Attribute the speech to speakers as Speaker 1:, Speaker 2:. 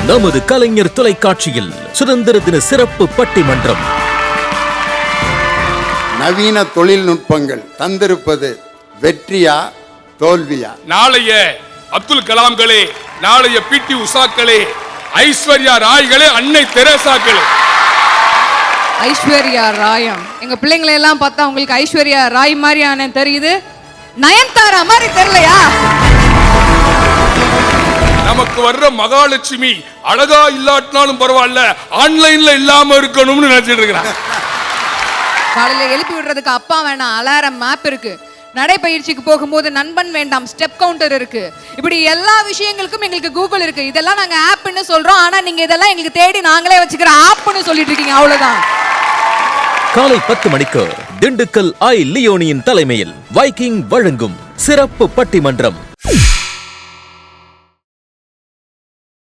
Speaker 1: நமது கலைஞர் தொலைக்காட்சியில் சுதந்திர தின சிறப்பு பட்டிமன்றம்.
Speaker 2: நவீன தொழில்நுட்பங்கள் தந்திருப்பது வெற்றியா தோல்வியா?
Speaker 3: நாளைய அப்துல் கலாம்களே, நாளைய பிடி உஷாக்களே, ஐஸ்வர்யா ராய்களே, அன்னை தெரேசாக்களே.
Speaker 4: ஐஸ்வர்யா ராயம் எங்க பிள்ளைங்களை எல்லாம் பார்த்தா உங்களுக்கு ஐஸ்வர்யா ராய் மாதிரியான தெரியுது, நயன்தாரா மாதிரி தெரியலையா?
Speaker 3: நமக்கு வர்ற மகாலட்சுமி அழகா இல்லாட்டினாலும் பரவாயில்ல, ஆன்லைன்ல இல்லாம இருக்கணும்னு நினைச்சிட்டு இருக்கிறான்.
Speaker 4: காலையில எழுப்பி விடுறதுக்கு அப்பா வேணாம், அலாரம் மேப் இருக்கு. நடைப்பயிற்சிக்கு போகும்போது நண்பன் வேண்டாம், ஸ்டெப் கவுண்டர் இருக்கு. இப்படி எல்லா விஷயங்களுக்கும் எங்களுக்கு கூகுள் இருக்கு. இதெல்லாம் நாங்க ஆப்னு சொல்றோம், ஆனா நீங்க இதெல்லாம் எங்களுக்கு தேடி நாங்களே வச்சுக்கிற ஆப்னு சொல்லிட்டு இருக்கீங்க. அவ்வளவுதான்.
Speaker 1: காலை 10 மணிக்கு திண்டுக்கல் ஐ லியோனியின் தலைமையில் வைக்கிங் வழங்கும் சிறப்பு பட்டிமன்றம்.